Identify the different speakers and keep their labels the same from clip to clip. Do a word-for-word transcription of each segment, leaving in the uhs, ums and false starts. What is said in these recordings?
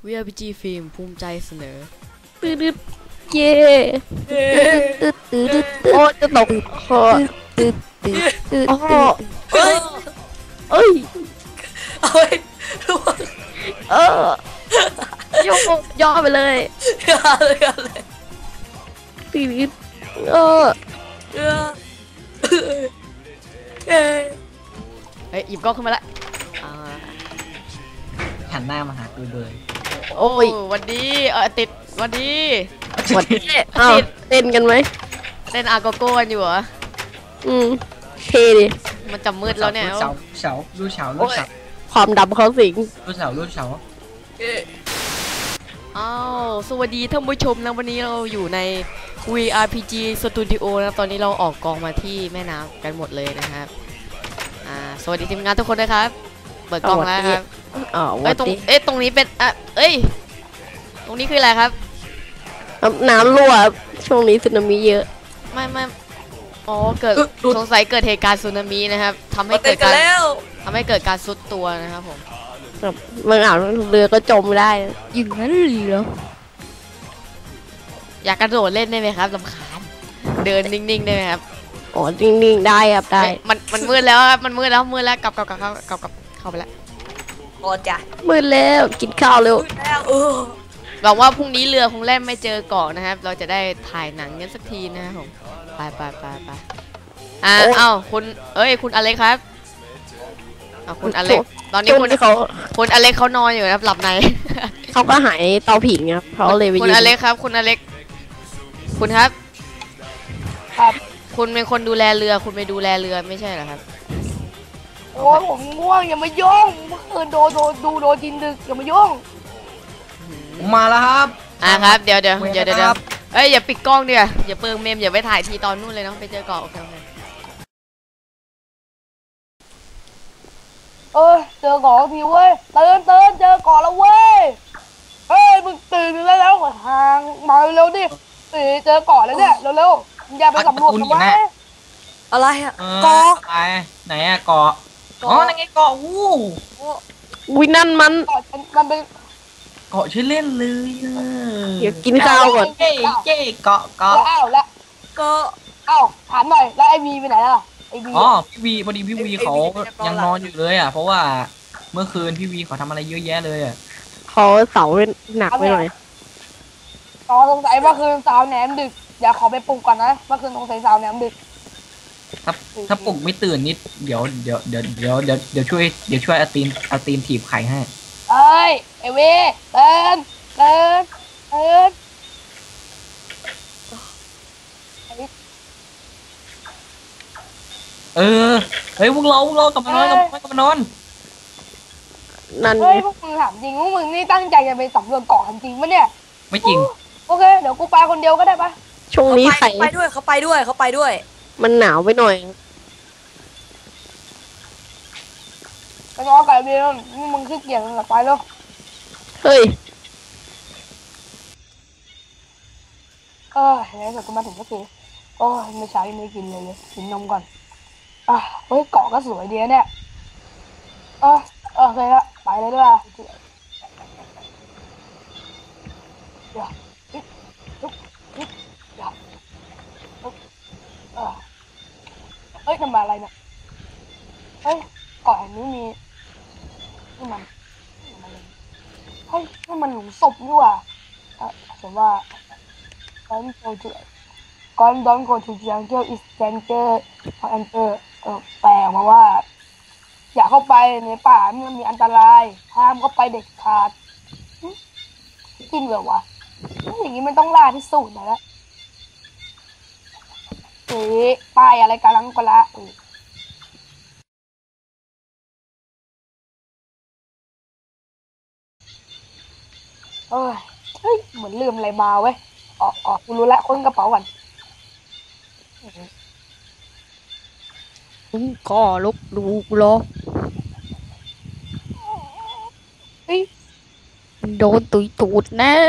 Speaker 1: วี อาร์ พี จี ฟิล์มภูมิใจเสนอ
Speaker 2: ตืดเย่ตืดตืดโอ้จะตกคอตืดตืดตืดเอ้ยเอ้ย
Speaker 3: เอาไปทุกคน
Speaker 2: เออย่อย่อไปเลย
Speaker 3: อะไรอะไร
Speaker 2: ตืดเออ
Speaker 3: เออเอ้ย
Speaker 1: เฮ้ยหยิบกล้องขึ้นมาละ
Speaker 3: หันหน้ามาหากูเลย
Speaker 1: โอ้ยวันดีเออติดวันดี
Speaker 2: วันดีอ้าวเต้นกันไหม
Speaker 1: เต้นอาโกโก้กันอยู่เหรอ
Speaker 2: อืมเท่ดิ
Speaker 1: มันจะมืดแล้วเนี่ย
Speaker 3: เสาเสาลูกเสาลูกเสา
Speaker 2: ความดำเขาสิง
Speaker 3: ลูกเสาลูกเสา
Speaker 1: อ้าวสวัสดีท่านผู้ชมนะวันนี้เราอยู่ใน วี อาร์ พี จี Studio นะตอนนี้เราออกกองมาที่แม่น้ำกันหมดเลยนะครับอ่าสวัสดีทีมงานทุกคนนะครับเปิดกล้องแล้วครับ
Speaker 2: อ๋อ
Speaker 1: เอ้ยตรงเอ๊ะตรงนี้เป็นอ่ะเอ้ยตรงนี้คืออะไรครับ
Speaker 2: น้ำรั่วช่วงนี้สึนามิเยอะ
Speaker 1: ไม่ไม่อ๋อเกิดสงสัยเกิดเหตุการณ์สึนามินะครับทำให้เกิดการทำให้เกิดการซุดตัวนะครับผม
Speaker 2: แบบบางอ่าวเรือก็จมได้อย่างนั้นเหรอ
Speaker 1: อยากกระโดดเล่นได้ไหมครับลำคาญเดินนิ่งๆได้ไหมครับ
Speaker 2: อ๋อนิ่งๆได้ครับได้
Speaker 1: มันมันมืดแล้วครับมันมืดแล้วมืดแล้วกลับกลับกลับกลับกลับเข้าไปแล้ว
Speaker 3: โอ้จ้ะ
Speaker 2: มืดแล้วกินข้าวเร็ว
Speaker 1: หวังว่าพรุ่งนี้เรือคงแล่นไม่เจอเกาะนะครับเราจะได้ถ่ายหนังกันสักทีนะครับผมไปไปไปไปอ่าเอ้าคุณเอ้ยคุณอเล็กครับอ่าคุณอเล็กตอนนี้คุณ
Speaker 2: เขา
Speaker 1: คุณอเล็กเขานอนอยู่นะครับหลับใน
Speaker 2: เขาก็หายเตาผิงครับเขาเลยไป
Speaker 1: คุณอเล็กครับคุณอเล็กคุณครับ
Speaker 4: ครับ
Speaker 1: คุณเป็นคนดูแลเรือคุณไปดูแลเรือไม่ใช่เหรอครับ
Speaker 4: โอ้ยผมง่วงอย่ามายุ่งเมื่อคืนโดนโดนดูโดนจินดึกอย่ามายุ่ง
Speaker 3: มาแล้วครับ
Speaker 1: อ่าครับเดี๋ยวเดี๋ยวเดี๋ยวเดี๋ยวเอ้ยอย่าปิดกล้องเดี๋ยวอย่าเปิงเมมอย่าไปถ่ายทีตอนนู่นเลยนะไปเจอเกาะโอเคโอเค
Speaker 4: เออเจอเกาะทีเว้ยเตือนเตือนเจอเกาะแล้วเว้ยเฮ้ยมึงตื่นแล้วแล้วทางมาเร็วดิตื่นเจอเกาะแล้วเนี่ยเร็วๆอย่าไปสำรวจทำไม
Speaker 3: อะไรอะเกาะไหนอะเกาะอ๋อนั่นไงเกาะวู้
Speaker 2: วินั่นมัน
Speaker 4: มันเป็น
Speaker 3: เกาะชื่อเล่นเลย
Speaker 2: เดี๋ยวกินข้าวก่อน
Speaker 3: เจ๊เจ๊เกาะเกาะ
Speaker 4: อ้าวแล้วก็อ้าวถามหน่อยแล้วไอวีไปไหนล่ะไอวี
Speaker 3: อ๋อพี่วีพอดีพี่วีเขายังนอนอยู่เลยอ่ะเพราะว่าเมื่อคืนพี่วีเขาทำอะไรเยอะแยะเลยอ่ะ
Speaker 2: เขาเสาหนักไปหน่อย
Speaker 4: ต่อสงสัยเมื่อคืนสาวแหนมดึกเดี๋ยวขอไปปลุกก่อนนะเมื่อคืนสงสัยสาวแหนมดึก
Speaker 3: ถ้าถ้าปลุกไม่ตื่นนิดเดี๋ยวเดี๋ยวเดี๋ยวเดี๋ยวเดี๋ยวเดี๋ยวช่วยเดี๋ยวช่วยเอาตีนเอาตีนถีบไข่ให้
Speaker 4: เอ้ยไอเว่เตือนเตือนเตือน
Speaker 3: เออเฮ้ยพวกเราพวกเรากลับมานอนกลับมากลับมานอน
Speaker 2: นั่น
Speaker 4: เฮ้ยพวกมึงถามจริงพวกมึงนี่ตั้งใจจะไปสำรวจเกาะจริงปะเนี่ย
Speaker 3: ไม่จริง
Speaker 4: โอเคเดี๋ยวกูไปคนเดียวก็ได้ปะ
Speaker 2: ช่วงนี้ใคร
Speaker 3: ไปด้วยเขาไปด้วยเขาไปด้วย
Speaker 2: มันหนาวไปหน่อย
Speaker 4: ไปนอนกับเบลนี่มึงขี้เกียจมึงไปแล้ว
Speaker 2: เฮ้ย
Speaker 4: เออเฮ้ยเดี๋ยวกูมาถึงสักทีโอ้ยไม่ใช่ไม่กินเลยเลยกินนมก่อนอ่ะเฮ้ยเกาะก็สวยดีเนี่ยเออโอเคละไปเลยด้วยเดี๋ยวจิ๊บจิ๊บจิ๊บเดี๋ยวเออเฮ้ยทำอะไรเนี่ยเฮ้ยเกาะแห่งนี้มีนี่มันเฮ้ยนี่มันหลุมศพนี่ว่ะอ่ะฉันว่าก่อนโจจุก่อนดอนโกทูจังเกิลอิสเซนเตอร์พอแอนเตอร์เออแปลมาว่าอย่าเข้าไปในป่ามันมีอันตรายห้ามเข้าไปเด็ดขาดจริงเหรอวะอย่างนี้มันต้องล่าพิสูจน์นะแล้วเอ๊ะป้ายอะไรกำลังกละเอ้ยเฮ้ยเหมือนลืมอะไรมาเว้ยออกออกกูรู้แล้วค้นกระเป๋าก่อน
Speaker 2: ก็ลุกดูกูรอ
Speaker 4: เฮ้ย
Speaker 2: โดนตุยตูดแน่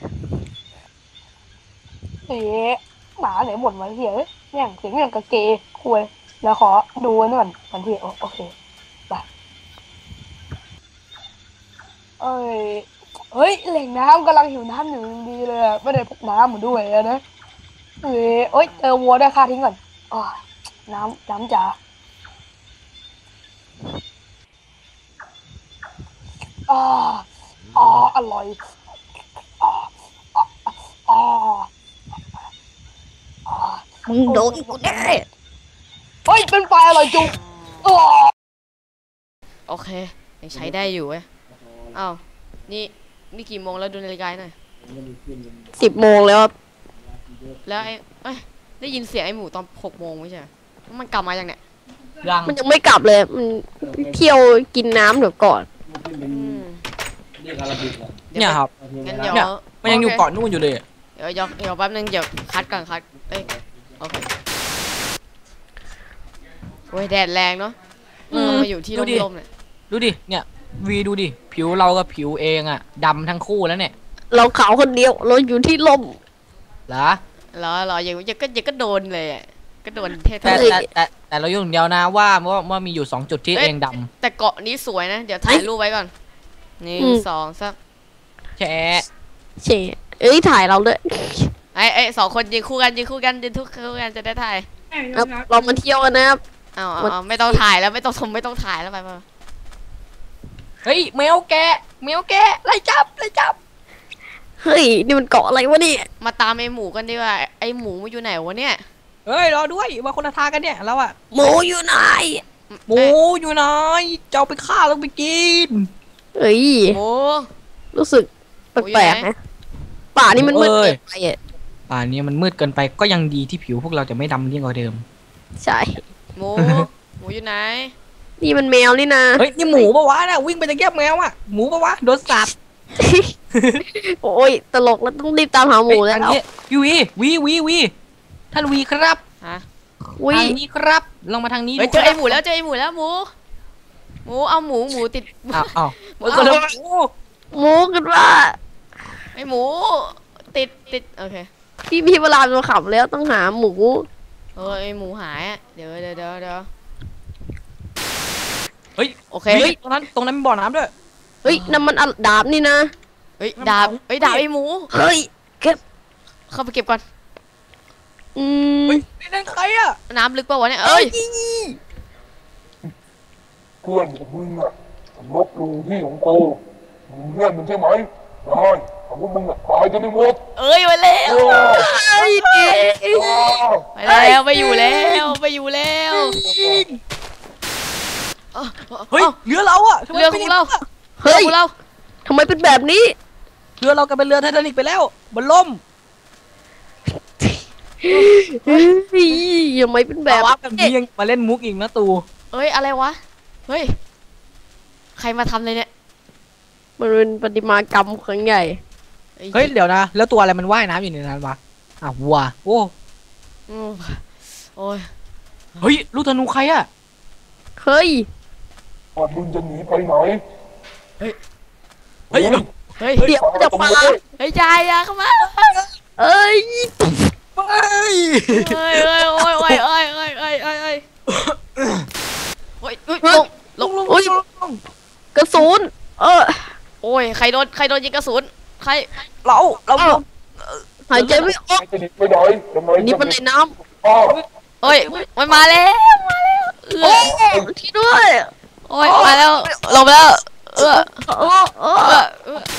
Speaker 4: เอ๊ะหมาไหนบ่นมาเหี้ยเนี่ยเสียงอย่างกระเกยคุยแล้วขอดูนี่ก่อนทันทีโอเคไปเอ้ยเอเฮ้ยแหล่งน้ำกำลังหิวน้ำอยู่ดีเลยอะไม่ได้พกน้ำมาด้วยอะนะเฮ้ยเอ้ยเจอวัวได้วยค่าทิ้งก่อนอ๋อน้ำน้ำจ๋าอ่าอ๋ออร่อยอ๋ออ๋ออ๋ออ๋อ
Speaker 2: มึงโดนกูแน่
Speaker 4: เฮ้ยเป็นไฟอร่อยจุ๊บอ๋อ
Speaker 1: โอเคยังใช้ได้อยู่เว้ยอ้าวนี่นี่กี่โมงแล้วดูนาฬิกาหน่อย
Speaker 2: สิบโมงแล้วครับ
Speaker 1: แล้วไอ้เอ้ยได้ยินเสียงไอ้หมูตอนหกโมงไม่ใช่เหรอมันกลับมาอย่างเนี้ย
Speaker 3: ยัง
Speaker 2: มันยังไม่กลับเลยมันเที่ยวกินน้ำเดี๋ยวก่อน
Speaker 1: อืม
Speaker 5: เนี่ยครับ
Speaker 1: งั้นเดี๋ยว
Speaker 5: เนี่ย มันยังอยู่
Speaker 1: โค
Speaker 5: เกาะนู่นอยู่เลย
Speaker 1: เดี๋ยวเดี๋ยวเดี๋ยวแป๊บนึงเดี๋ยวคัดก่อนคัดเอ้ยโอเคโอ้ยแดดแรงเนาะ
Speaker 5: อืม
Speaker 1: มาอยู่ที่
Speaker 5: ดูดิ
Speaker 1: ร่มๆเนี่ย
Speaker 5: ดูดิ เนี่ย วีดูดิ ผิวเรากับผิวเองอะดำทั้งคู่แล้วเนี่ย
Speaker 2: เราขาวคนเดียวเราอยู่ที่ลม
Speaker 5: เหรอ
Speaker 1: เหรอเหรออย่าอย่าก็อย่าก็โดนเลยอะก็โดนเท่
Speaker 5: แต่
Speaker 1: ๆ
Speaker 5: แต่แต่แต่เราอยู่อย่างเดียวนะว่าว่าว่ามีอยู่สองจุดที่
Speaker 1: เอ้ย
Speaker 5: เองด
Speaker 1: แต่เกาะนี้สวยนะ เดี๋ยวถ่ายรูปไว้ก่อนหนึ่ง
Speaker 2: อืม
Speaker 1: สองสาม
Speaker 5: ำแชะ
Speaker 2: เฉเอ้ยถ่ายเราด้วย
Speaker 1: ไอ้ไอ้สองคนยืนคู่กันยืนคู่กันยืนทุกคู่กันจะได้ถ่าย
Speaker 2: ครับเรามาเที่ยวกันนะครับ
Speaker 1: เอาเอา
Speaker 2: มัน
Speaker 1: เอาไม่ต้องถ่ายแล้วไม่ต้องชมไม่ต้องถ่ายแล้วไปไปไป
Speaker 5: เฮ้ยแมวแกะแมวแกะไล่จับไล่จับ
Speaker 2: เฮ้ยนี่มันเกาะอะไรวะเนี่ย
Speaker 1: มาตามไอ้หมูกันดีกว่าไอ้หมูมันอยู่ไหนวะเนี่ย
Speaker 5: เฮ้ยรอด้วยมาคนละทางกันเนี่ยเราอะ
Speaker 2: หมูอยู่ไหน
Speaker 5: หมูอยู่ไหนจะเอาไปฆ่าต้องไปกิน
Speaker 2: เอ้ย
Speaker 1: หมู
Speaker 2: รู้สึกแปลกๆนะป่านี่มันมืด
Speaker 5: เอ้ย
Speaker 2: เกินไปอ่ะ
Speaker 5: ป่านนี้มันมืดเกินไปก็ยังดีที่ผิวพวกเราจะไม่ดำยิ่งกว่าเดิม
Speaker 2: ใช่
Speaker 1: หมู หมูอยู่ไหน
Speaker 2: นี่มันแมวนี่นะ
Speaker 5: เฮ้ยนี่หมูปะวะน่ะวิ่งไปตะเกียบแมวอะหมูปะวะโดนสับ
Speaker 2: โอ้ยตลกแล้วต้องรีบตามหาหมูแล้ว
Speaker 5: เฮ้ยทางนี้วีวีวีวีท่านวีครับ
Speaker 1: ฮะ
Speaker 2: วิ
Speaker 5: ทางนี้ครับลงมาทางนี้
Speaker 1: เฮ้ย
Speaker 5: ดู
Speaker 1: เจอ
Speaker 5: ค
Speaker 1: ไอ้
Speaker 5: รับ
Speaker 1: หมูแล้วเจอไอ้หมูแล้วหมู หมูเอาหมูหมูติด
Speaker 5: อ้าวอ้าว
Speaker 1: หมู
Speaker 5: ก็
Speaker 1: เอา
Speaker 5: เลยโอ้
Speaker 2: หมูกันว่า
Speaker 1: ไอ้หมูติดติดโอเค
Speaker 2: พี่พี่เวลาเราขับแล้วต้องหาหมู
Speaker 1: เออไอ้หมูหายอะเดี๋ยวเดี๋ยวเดี๋ยวเดี๋ยว
Speaker 5: เฮ้ย
Speaker 1: โอเค
Speaker 5: เฮ้ยตรงนั้นตรงนั้นมีบ่อน้ำด้วย
Speaker 2: เฮ้ยนั่นมันอะดาบนี่นะ
Speaker 1: เฮ้ยดาบเฮ้ยดาบไอ้หมู
Speaker 2: เฮ้ยเก็บ
Speaker 1: เข้าไปเก็บก่อน
Speaker 2: อืม
Speaker 5: เฮ้ยนี่นั่นใครอะ
Speaker 1: น้ำลึกป่าวะเนี่ยเอ้ย
Speaker 6: เพื่อนของมึงอะลบหลู่ที่ของกูมึงเพื่อนมึงใช่ไหมได้แต่ว่ามึงอะตายจะไม่หมด
Speaker 1: เอ้ยไปแล้ว
Speaker 6: โอ้
Speaker 2: เฮ้ยเจ๊
Speaker 1: ไปแล้วไปอยู่แล้วไปอยู่แล้วเอ้า
Speaker 5: เฮ้ย
Speaker 1: เอ้า
Speaker 5: เรือเราอะทำไม
Speaker 1: เรือข
Speaker 5: ป็น
Speaker 1: อง
Speaker 5: ย่
Speaker 1: เรา
Speaker 5: นี้
Speaker 1: เรือของเรา
Speaker 2: ทำไมเป็นแบบนี้
Speaker 5: เรือเรากลายเป็นเรือไททานิกไปแล้วมันล่ม
Speaker 2: เฮ้ยทำไมเป็นแบ
Speaker 5: แต่
Speaker 2: บ
Speaker 5: ว่าแบบนี้ยังมาเล่นมุกอีกนะตู
Speaker 1: เอ้ยอะไรวะเฮ้ยใครมาทำเลยเนี่ย
Speaker 2: มันเป็นประติมากรรมครั้งใหญ่
Speaker 5: เฮ้ยเดี๋ยวนะแล้วตัวอะไรมันว่ายน้ำอยู่ในนั้นวะอ่ะวัวโอ้
Speaker 1: อืมโอ้ย
Speaker 5: เฮ้ยลูกธนูใครอะ
Speaker 2: เฮ้ย
Speaker 6: ว่ามึงจะหนีไปไหน
Speaker 5: เฮ้ย
Speaker 1: เฮ้ย
Speaker 2: เดี๋ยวมันจะปา
Speaker 1: เฮ้ยยายอะเข้ามา
Speaker 2: เอ้ย
Speaker 5: เฮ้ย
Speaker 1: เฮ้ยเฮ้ยโอ้ยโอ้ยโอ้ยโอ้ยโอ้ยโอ้ยโอ้ยโอ้ยเฮ้ยลงลงลง
Speaker 2: โอ้ยกระสุนเออ
Speaker 1: โอ้ยใครโดนใครโดนยิงกระสุนใคร
Speaker 5: เราเรา
Speaker 2: เอ้าหายใจไม่ออก
Speaker 6: จะหนีไปไหนทำไม
Speaker 2: นี่มันในน้
Speaker 6: อ้าว
Speaker 1: เอ้ยมันมาแล้วมาแล้วเอ
Speaker 2: ำโอ้
Speaker 1: อ
Speaker 2: ที่ด้วย
Speaker 1: โอ้ยมาแล้วลงไปแล้วเออ
Speaker 2: โอ้โอ้
Speaker 1: เออเออ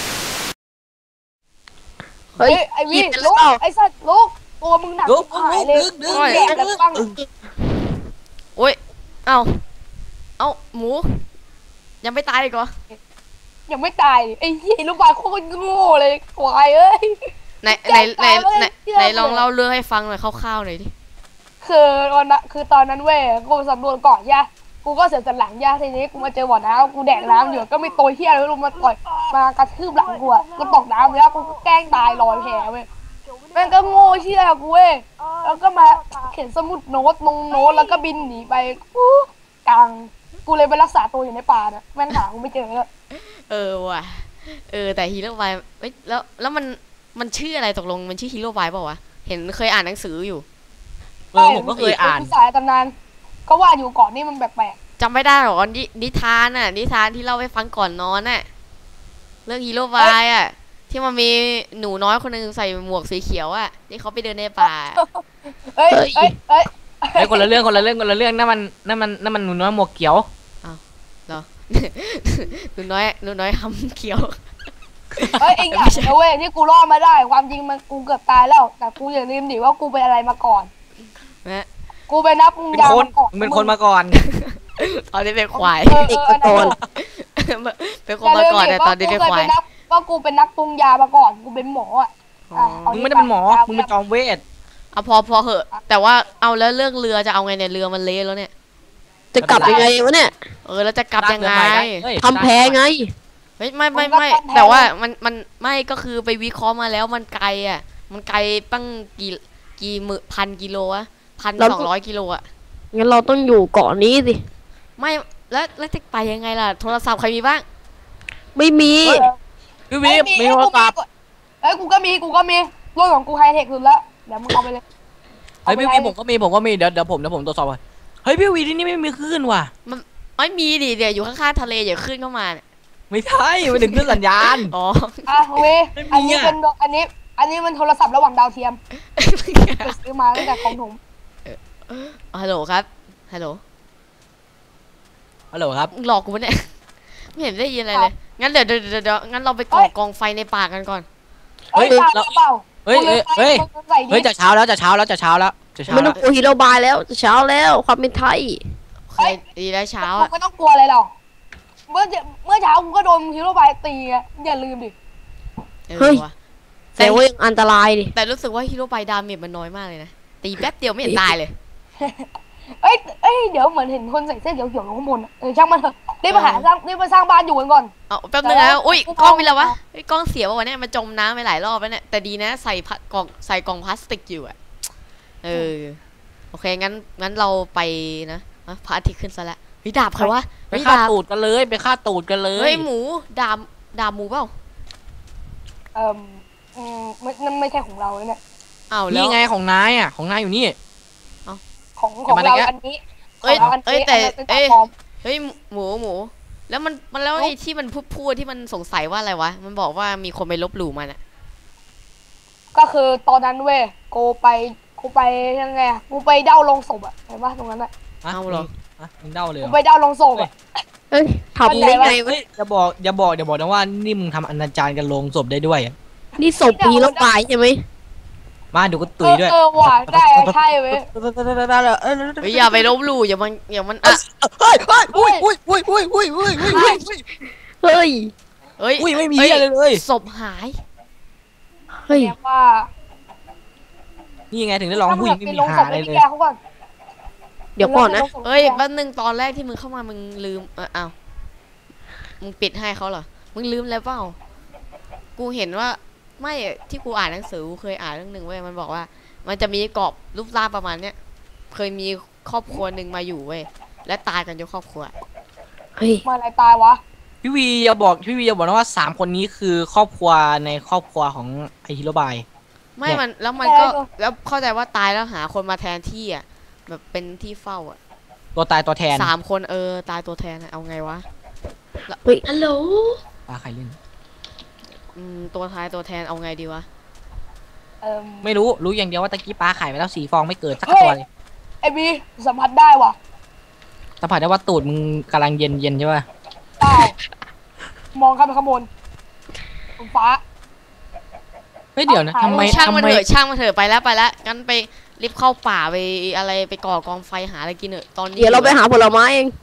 Speaker 2: เฮ้ย
Speaker 4: เฮ้ยไอ้วี
Speaker 2: หยิบไป
Speaker 4: ลูก
Speaker 2: แล้ว
Speaker 4: ไอ้สัตว์ลูกตัวมึงหนัก
Speaker 5: ลุก
Speaker 4: หายเลย
Speaker 5: ดึงดึง
Speaker 4: แดกกันบ้าง
Speaker 1: โอ้ยเอ้าเอ้าหมูยังไม่ตายอีกเหรอ
Speaker 4: ยังไม่ตายดิไอ้เหี้ยลูกบาศก์โคตรโง่เลยควายเอ้ย
Speaker 1: ไหนไหนไหนไหน
Speaker 4: เชื่อ
Speaker 1: ไหนลอง
Speaker 4: เลย
Speaker 1: เล่าเรื่องให้ฟังหน่อยคร่าวๆหน่อยดิ
Speaker 4: คือวันนั้นคือตอนนั้นเว้ยกูสำรวจเกาะย่ากูก็เสียสันหลังย่าทีนี้กูมาเจอบ่อน้ำกูแดกน้ำอยู่ก็มีตัวเหี้ยอะไรไม่รู้มาต่อยมากระทืบหลังกูอะกูตกน้ำแล้วกูก็แกล้งตายลอยแพเว้ยแม่งก็โง่เชี่ยกูเว้ยแล้วก็มาเขียนสมุดโน้ตลงโน้ตแล้วก็บินหนีไปกูกลางกูเลยไปรักษาตัวอยู่ในป่านะแม่งหากูไม่เจอแล้ว
Speaker 1: เออว่ะเออแต่ฮีโร่บายเอ้ยแล้วแล้วมันมันชื่ออะไรตกลงมันชื่อฮีโร่บายเปล่าวะเห็นเคยอ่านหนังสืออยู่
Speaker 5: เออผมก็เคยอ่าน
Speaker 4: สายตำนานก็ว่าอยู่เก่อนนี่มันแปลก
Speaker 1: จำไม่ได้หรอนินิทานน่ะนิทานที่เล่าให้ฟังก่อนนอนน่ะ
Speaker 4: ๆ
Speaker 1: เรื่องฮีโร่บายอ่ะที่มันมีหนูน้อยคนหนึงใส่หมวกสีเขียวอ่ะที่เขาไปเดินในป่า
Speaker 4: เอ้ยเอ้ยเอ้ย
Speaker 5: ไอ้ยคนละเรื่องคนละเรื่องคนละเรื่องนั่นมันนั่นมันนั่นมันหนูน้อยหมวกเขียว
Speaker 1: เหรอ หนูน้อยหนูน้อยทำเขียว
Speaker 4: เอ้ยเองอย่านะเว้ยที่กูรอดมาได้ความจริงมันกูเกือบตายแล้ว แต่กูอย่าลืมดิว่ากูเป็นอะไรมาก่อน
Speaker 1: นะ
Speaker 4: กูเป็นนักปรุง
Speaker 5: เป็น
Speaker 4: ยา
Speaker 5: คน
Speaker 4: มาก่อน
Speaker 5: มึงเป็นคนมาก่อน
Speaker 1: ตอนนี้เป็นควาย
Speaker 4: เออ
Speaker 2: เด็ก
Speaker 4: เออ
Speaker 2: ตะโกน
Speaker 1: เป็นคนมาก่อนแต่ตอนนี้เป็นควาย
Speaker 4: ว่ากูเป็นนักปรุงยามาก่อนกูเป็นหมออ่ะ
Speaker 1: อ๋อ
Speaker 5: มึงไม่ได้เป็นหมอมึงเป็นจอมเวท
Speaker 1: เอาพอพอเหอะ แต่ว่าเอาแล้วเรื่องเรือจะเอาไงเนี่ยเรือมันเละแล้วเนี่ย
Speaker 2: จะกลับยังไงวะเนี่ย
Speaker 1: เออแล้วจะกลับยังไง
Speaker 5: เฮ้ย
Speaker 2: ทำแพไง
Speaker 1: เฮ้ยไม่ไม่ไม่แต่ว่ามันมันไม่ก็คือไปวิเคราะห์มาแล้วมันไกลอ่ะ มันไกลตั้งกี่กี่หมื่นพันกิโลอะพัน
Speaker 2: เรา
Speaker 1: สองร้อยกิโลอะ
Speaker 2: งั้นเราต้องอยู่เกาะนี้สิ
Speaker 1: ไม่แล้วแล้วจะไปยังไงล่ะโทรศัพท์ใครมีบ้าง
Speaker 2: ไม่มี
Speaker 5: พี่วิบมีโทรศัพท์
Speaker 4: เอ้ยกูก็มีกูก็มีรถของกูไฮเทคสุดแล้วเดี๋ยวมึงเอาไปเลย
Speaker 5: เฮ้ยพี่วิผมก็มีผมก็มีเดี๋ยวเดี๋ยวผมเดี๋ยวผมตรวจสอบก่อนเฮ้ยพี่วิที่นี่ไม่มีคลื่นว่ะ
Speaker 1: ไม่มีดิเดี๋ยวอยู่ข้างๆทะเลอย่าขึ้นเข้ามาเนี่ย
Speaker 5: ไม่ใช่ไม่ถึงคลื่นสัญญาณ
Speaker 1: อ๋อ
Speaker 4: อ่ะเว้ย
Speaker 5: ไม่มี
Speaker 4: อันนี้
Speaker 5: อะ
Speaker 4: เป็นอันนี้ อันนี้มันโทรศัพท์ระหว่างดาวเทียมไปซื้อมาตั้งแต่ของถุง
Speaker 1: ฮัลโหลครับฮัลโหล
Speaker 5: ฮัลโหลครับ
Speaker 1: หลอกกูปะเนี่ยไม่เห็นได้ยินอะไรเลยงั้นเดี๋ยวเดี๋ยวเดี๋ยวเดี๋ยวงั้นเราไปก่อกองไฟในป่ากันก่อน
Speaker 4: เฮ้ย
Speaker 5: เฮ้ย
Speaker 4: ตาย
Speaker 5: เรา
Speaker 4: เปล่า
Speaker 5: เฮ้ยเฮ้ยเฮ้ย
Speaker 4: มึงใส่ดิ
Speaker 5: เฮ้ยจะเช้าแล้วจะเช้าแล้วจะเช้าแล้วจะเช้า
Speaker 2: ไม่ต้
Speaker 5: แล้
Speaker 2: อ
Speaker 5: ว
Speaker 2: งกลัวฮีโร่บายแล้วจะเช้าแล้วความเป็นไทย
Speaker 1: เคยดีแล้วเช้า
Speaker 4: กู
Speaker 1: อ่ะ
Speaker 4: ไม่ต้องกลัวอะไรหรอกเมื่อเมื่อเช้ากูก็โดนฮีโร่บายตีไงอย่าลืมดิ
Speaker 1: เออ
Speaker 2: เฮ้ย
Speaker 1: ว่ะ
Speaker 2: แต่ว่ายังอันตรายดิ
Speaker 1: แต่รู้สึกว่าฮีโร่ไปดาเมจมันน้อยมากเลยนะตีแป๊บเดียวไม่เห็นตายเลย
Speaker 4: เอ้ยเอ้ยเดี๋ยวเหมือนเห็นคนใส่เสื้อเขียวๆอยู่ข้างบนอะเออช่างมันเถอะรีบมาหาสร้างรีบมาสร้างบ้านอยู่กันก่อน
Speaker 1: เอาแป๊บนึงนะอุ้ยกล้องมีแล้ววะเฮ้ยกล้องเสียป่ะวะเนี่ยมันจมน้ำไปหลายรอบแล้วเนี่ยแต่ดีนะใส่พัดกล่องใส่กล่องพลาสติกอยู่อ่ะเออโอเคงั้นงั้นเราไปนะอ่ะพระอาทิตย์ขึ้นซะแล้วเฮ้ยดาบใครวะ
Speaker 5: ไป
Speaker 1: เฮ้ย
Speaker 5: ฆ่า
Speaker 1: ดาบ
Speaker 5: ตูดกันเลยไปฆ่าตูดกันเลย
Speaker 1: เฮ้ยหมูดาบดาบหมูเปล่า
Speaker 4: เอ่ออืมไม่นั่นไม่ใช่ของเราเนี่ย
Speaker 1: อ้าวแล้ว
Speaker 5: นี่ไงของนายอ่ะของนายอยู่นี่
Speaker 4: ของของเราอันนี้
Speaker 1: เอ้ย
Speaker 4: ของรานนี้
Speaker 1: เอ้ยแต่
Speaker 4: นนั้นป็น
Speaker 1: เอ้ย
Speaker 4: ปลอม
Speaker 1: เฮ้ยหมูหมู แล้วมันมันแล้วไอ้ที่มันพูดพูดที่มันสงสัยว่าอะไรวะมันบอกว่ามีคนไปลบหลู่มันอะ
Speaker 4: ก็คือตอนนั้นเว้ยกูไปกูไปยังไงอะกูไปเด้าลงศพอะเห็นปะตรงนั้นอะ
Speaker 1: เอาเหรอ
Speaker 5: ฮะมึงเด้าเลยเห
Speaker 4: กู
Speaker 5: รอ
Speaker 4: ไปเด้าลงศพอะ
Speaker 2: เฮ้ยทำได้ไงวะ
Speaker 5: เฮ้ยอย่าบอกอย่าบอกอย่าบอกนะว่านี่มึงทำอนาจารกันลงศพได้ด้วยอะ
Speaker 2: นี่ศพฮีโร่บายใช่ไหม
Speaker 5: มาดูก็ตุยด้วย
Speaker 4: เออเออว่ะได้ใช่เว้ย
Speaker 1: เฮ้ยอย่าไปลบหลู่อย่ามันอย่ามันอะ
Speaker 5: เฮ้ยเฮ้ยอุ้ยอุ้ยอุ้ยอุ้ยอุ้ยอุ้ยอุ้ยอุ้ย
Speaker 2: เฮ้ย
Speaker 1: เฮ้ย
Speaker 5: อุ้ยไม่มี
Speaker 1: ฮ้
Speaker 5: อะไรเลย
Speaker 1: ศพหาย
Speaker 2: เฮ้ย
Speaker 4: เรียกว่า
Speaker 5: นี่ไงถึงได้ร้องผู้หญิงไม่มีหาอะไรเลย
Speaker 4: แกเขาก่อน
Speaker 2: เดี๋ยวก่อนนะ
Speaker 1: เฮ้ยแป๊บนึงตอนแรกที่มึงเข้ามามึงลืมเอออ้าวมึงปิดให้เขาเหรอมึงลืมแล้วเปล่ากูเห็นว่าไม่ที่กูอ่านหนังสือกูเคยอ่านเรื่องหนึ่งเว้ยมันบอกว่า มันจะมีกรอบรูปร่างประมาณเนี้ยเคยมีครอบครัวหนึ่งมาอยู่เว้ยและตายกันยกครอบครัว
Speaker 2: เฮ้ย
Speaker 4: มาอะไรตายวะ
Speaker 5: พี่วีอย่าบอกพี่วีอย่าบอกนะว่าสามคนนี้คือครอบครัวในครอบครัวของไอฮิโรบาย
Speaker 1: ไม่มันแล้วมันก็แล้วเข้าใจว่าตายแล้วหาคนมาแทนที่อ่ะแบบเป็นที่เฝ้าอ่ะ
Speaker 5: ตัวตายตัวแทน
Speaker 1: สามคนเออตายตัวแทนอะเอาไงวะ
Speaker 2: เฮ้ยฮัลโหล
Speaker 5: ตาใครเล่น
Speaker 1: อืมตัวท้ายตัวแทนเอาไงดีวะ
Speaker 4: เอ่อ
Speaker 5: ไม่รู้รู้อย่างเดียวว่าตะกี้ปลาไข่ไปแล้วสี่ฟองไม่เกิดสักตัวเลย
Speaker 4: ไอบีสัมผัสได้ว่ะ
Speaker 5: สัมผัสได้ว่าตูดมึงกำลังเย็นเย็นใช่ป่ะ
Speaker 4: เปล่ามองขึ้นไปข้างบนบนฟ้า
Speaker 5: เฮ้ยเดี๋ยวนะทำไม
Speaker 1: ช่างมัน
Speaker 5: ทำไม
Speaker 1: เถอะช่างมันเถอะไปแล้วไปแล้วงั้นไปรีบเข้าป่าไปอะไรไปก่อกองไฟหาอะไรกินเถอะตอนนี้
Speaker 2: เดี๋ยวเราไปหาผลไม้เอง